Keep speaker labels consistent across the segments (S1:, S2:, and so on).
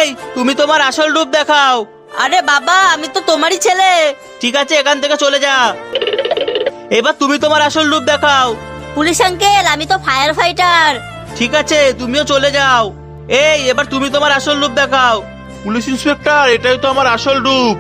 S1: এই তুমি তোমার আসল রূপ দেখাও।
S2: আরে বাবা, আমি তো তোমারই ছেলে।
S1: ঠিক আছে, এখান থেকে চলে যা। এবার তুমি তোমার আসল রূপ দেখাও।
S2: পুলিশ আঙ্কেল, আমি তো ফায়ার ফাইটার।
S1: ঠিক আছে, তুমিও চলে যাও। এই এবার তুমি তোমার আসল রূপ দেখাও। পুলিশ ইন্সপেক্টর, এটাই তো আমার আসল রূপ।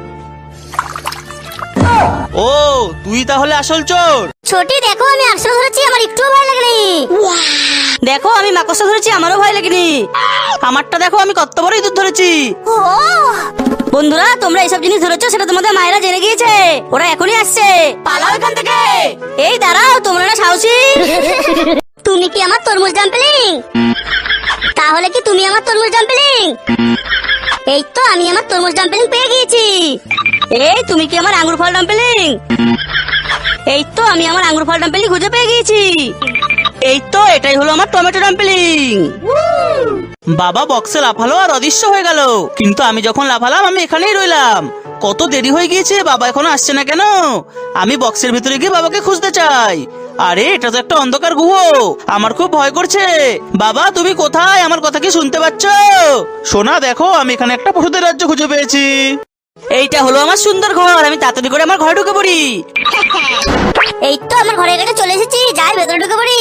S1: ও, তুই তাহলে আসল চোর।
S2: ছোটি, দেখো আমি আসল ধরেছি, আমার একটুও ভয় লাগেনি। দেখো আমি মাকড়সা ধরেছি, আমারও ভয় লাগেনি। আমারটা দেখো, আমি কত বড় ইঁদুর ধরেছি। বন্ধুরা, তোমরা এইসব জিনিস ধরেছো, সেটা তোমাদের মায়েরা জেনে গিয়েছে। ওরা এখনই আসছে, পালাও এখান থেকে। এই দাঁড়াও, তোমরা না সাহসী। তুমি কি আমার তরমুজ ডাম্পলিং? তাহলে কি তুমি আমার তরমুজ ডাম্পলিং? এই তো আমি আমার তরমুজ ডাম্পলিং পেয়ে গিয়েছি। এই তুমি কি আমার আঙ্গুর ফল ডাম্পলিং? এই তো আমি আমার আঙ্গুর ফল ডাম্পলিং খুঁজে পেয়ে গিয়েছি। এই তো এটাই হলো আমার টমেটো ডাম্পলিং।
S1: বাবা বক্সে লাফালো আর অদৃশ্য হয়ে গেল, কিন্তু আমি যখন লাফালাম আমি এখানেই রইলাম। কত দেরি হয়ে গিয়েছে, বাবা এখনো আসছে না কেন? আমি বক্সের ভিতরে গিয়ে বাবাকে খুঁজতে চাই। আরে এটা তো একটা অন্ধকার গুহ, আমার খুব ভয় করছে। বাবা তুমি কোথায়? আমার কথা কি শুনতে পাচ্ছ? সোনা দেখো, আমি এখানে একটা পশুদের রাজ্য খুঁজে পেয়েছি।
S2: এইটা হলো আমার সুন্দর ঘর, আমি তাড়াতাড়ি করে আমার ঘরে ঢুকে পড়ি। এই তো আমার ঘরের কাছে চলে এসেছি, যাই ভেতরে ঢুকে পড়ি।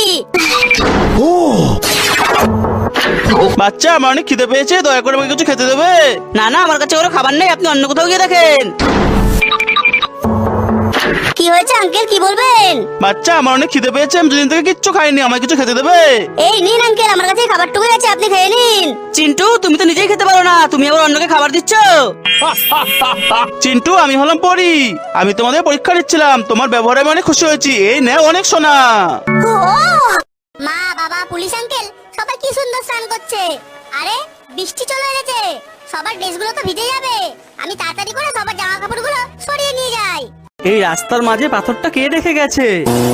S1: বাচ্চা, আমার অনেক খিদে পেয়েছে, দয়া করে আমাকে কিছু খেতে দেবে?
S2: না না, আমার কাছে ওরা খাবার নেই, আপনি অন্য কোথাও গিয়ে দেখেন। কি হয়েছে আঙ্কেল, কি বলবেন?
S1: বাচ্চা, আমার অনেক খিদে পেয়েছে, আমি দুদিন থেকে কিচ্ছু খাইনি, আমাকে কিছু খেতে দেবে?
S2: এই নিন আঙ্কেল, আমার কাছে খাবারটুকু আছে, আপনি খেয়ে নিন। চিন্টু, তুমি তো নিজেই খেতে পারো না, তুমি আবার অন্যকে খাবার দিচ্ছ।
S1: চিন্টু, আমি হলাম পরি, আমি তোমাদের পরীক্ষা নিচ্ছিলাম, তোমার ব্যবহারে আমি অনেক খুশি হয়েছি। এই নে অনেক সোনা।
S3: মা, বাবা, পুলিশ আঙ্কেল সবাই কি সুন্দর স্নান করছে। আরে বৃষ্টি চলে এসেছে, সবার ড্রেসগুলো তো ভিজে যাবে। আমি তাড়াতাড়ি করে সবার জামা কাপড়গুলো সরিয়ে নিয়ে যাই।
S1: এই রাস্তার মাঝে পাথরটা কে রেখে গেছে?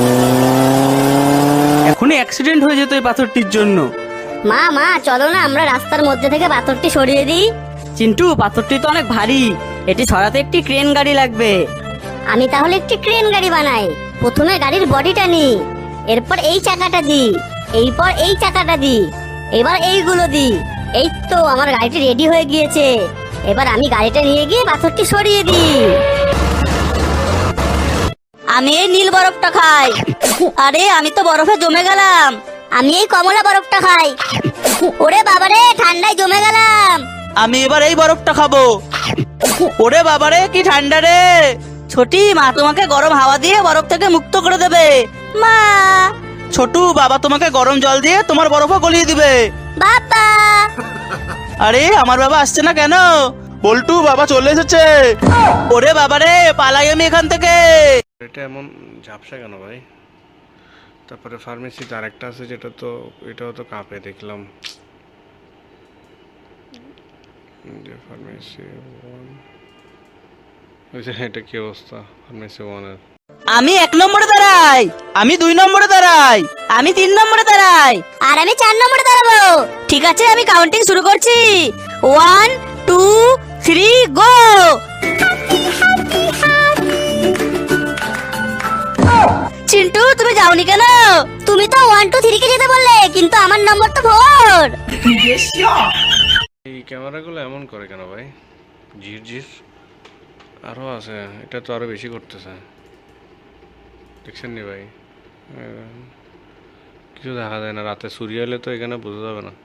S1: এখনই অ্যাক্সিডেন্ট হয়ে যেত এই পাথরটির জন্য।
S3: মা মা, চলো না আমরা রাস্তার মধ্যে থেকে পাথরটি সরিয়ে দিই।
S2: চিন্টু, পাথরটি তো অনেক ভারী, এটি সরাতে একটি ক্রেন গাড়ি লাগবে।
S3: আমি তাহলে একটি ক্রেন গাড়ি বানাই। প্রথমে গাড়ির বডিটা নি, এরপর এই চাকাটা দি, এরপর এই চাকাটা দি, এবার এইগুলো দি। এই তো আমার গাড়িটি রেডি হয়ে গিয়েছে। এবার আমি গাড়িটা নিয়ে গিয়ে পাথরটি সরিয়ে দিই।
S2: আমি এই নীল বরফটা খাই। আরে আমি তো বরফে জমে গেলাম।
S3: আমি এই কমলা বরফটা খাই। ওরে বাবারে, ঠান্ডায় জমে গেলাম।
S1: আমি এবার এই বরফটা খাবো। ওরে বাবারে, কি ঠান্ডা রে।
S2: ছোটি, মা তোমাকে গরম হাওয়া দিয়ে বরফ থেকে মুক্ত করে দেবে। মা।
S1: ছোটু, বাবা তোমাকে গরম জল দিয়ে তোমার বরফও গলিয়ে দিবে।
S3: বাবা।
S1: আরে আমার বাবা আসছে না কেন? বল্টু, বাবা চলে এসেছে। ওরে বাবারে, পালাই আমি এখান থেকে।
S4: এটা এমন ঝাপসা কেন ভাই? তারপরে ফার্মেসিতে আরেকটা আছে, যেটা তো এটাও তো কাঁপে দেখলাম। ফার্মেসি এটা কি অবস্থা? ফার্মেসি 1 এর
S2: আমি 1 নম্বরে দাঁড়াই।
S1: আমি 2 নম্বরে দাঁড়াই।
S2: আমি 3 নম্বরে দাঁড়াই।
S3: আর আমি 4 নম্বরে দাঁড়াবো।
S2: ঠিক আছে, আমি কাউন্টিং শুরু করছি। 1 2 3 গো। চিন্টু, তুমি যাওনি কেন?
S3: তুমি তো 1 2 3 কে যেতে বললে, কিন্তু আমার নম্বর তো 4।
S4: এই ক্যামেরাগুলো এমন করে কেন ভাই? ঝির ঝির আরো আছে, এটা তো আরো বেশি করতেছে। দেখছেন নি ভাই? কিছু দেখা যায় না, রাতে সূর্য এলে তো এখানে বোঝা যাবে না।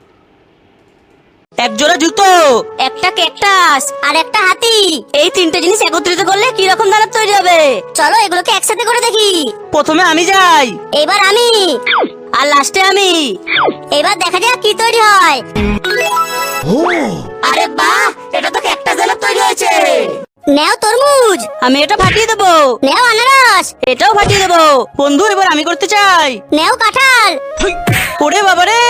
S2: এক জোড়া জুতো, একটা ক্যাকটাস আর একটা হাতি, এই 3টে জিনিস একত্রিত করলে কি রকম দাঁড়াত তৈরি হবে?
S3: চলো এগুলোকে একসাথে করে দেখি।
S1: প্রথমে আমি যাই।
S3: এবার আমি,
S2: আর লাস্টে আমি।
S3: এবার দেখা যাক কি তৈরি হয়।
S2: আরে বাহ, এটা তো ক্যাকটাস দাঁড়াত তৈরি হয়েছে।
S3: নেও তরমুজ।
S2: আমি এটা ফাটিয়ে দেবো।
S3: নেও আনারস।
S2: এটাও ফাটিয়ে দেবো।
S1: বন্ধু, এবার আমি করতে চাই।
S3: নেও কাঁঠাল।
S1: ওরে বাবারে।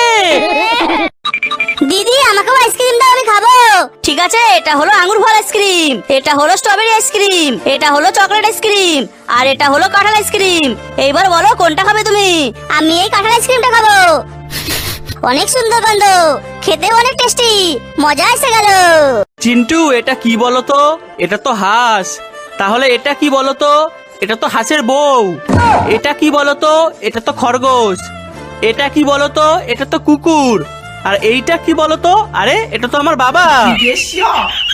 S3: দিদি, আমাকেও আইসক্রিম দাও, আমি খাবো।
S2: ঠিক আছে, এটা হলো আঙ্গুর ফল আইসক্রিম, এটা হলো স্ট্রবেরি আইসক্রিম, এটা হলো চকলেট আইসক্রিম, আর এটা হলো কাঁঠাল আইসক্রিম। এইবার বলো কোনটা খাবে তুমি?
S3: আমি এই কাঁঠাল আইসক্রিমটা খাবো। অনেক সুন্দর গন্ধ, খেতেও অনেক টেস্টি, মজা এসে গেল।
S1: চিন্টু, এটা কি বলতো? এটা তো হাঁস। তাহলে এটা কি বলতো? এটা তো হাঁসের বউ। এটা কি বলতো? এটা তো খরগোশ। এটা কি বলতো? এটা তো কুকুর। আর এইটা কি বলতো? আরে এটা তো আমার বাবা।